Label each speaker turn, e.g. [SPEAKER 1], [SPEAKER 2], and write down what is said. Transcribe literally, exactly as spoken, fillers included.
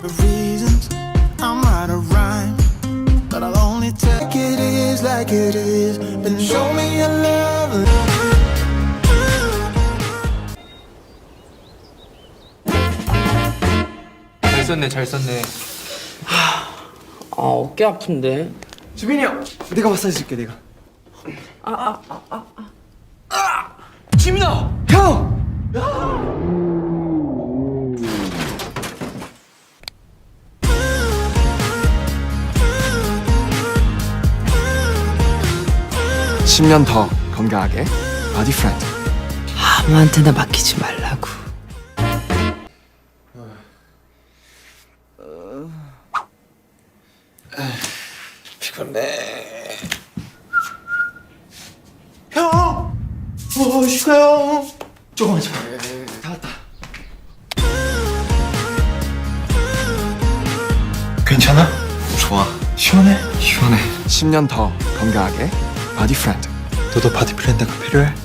[SPEAKER 1] reasons I'm out of rhyme, but I'll only take it is like it is, and show me your love.
[SPEAKER 2] 잘 썼네, 잘 썼네.
[SPEAKER 3] 아 어깨 아픈데.
[SPEAKER 4] 주빈이 형, 내가 마사지 줄게 내가.
[SPEAKER 3] 아 아 아
[SPEAKER 4] 아! 지민아, 형!
[SPEAKER 5] 십 년 더 건강하게 바디 프렌드.
[SPEAKER 3] 아무한테나 맡기지 말라고.
[SPEAKER 4] 피곤해. 형! 어, 휴가 형! 조금만 좀. 다 왔다. 괜찮아?
[SPEAKER 5] 좋아.
[SPEAKER 4] 시원해?
[SPEAKER 5] 시원해. 십 년 더 건강하게 바디 프렌드.
[SPEAKER 4] 너도 바디 프렌드가 필요해?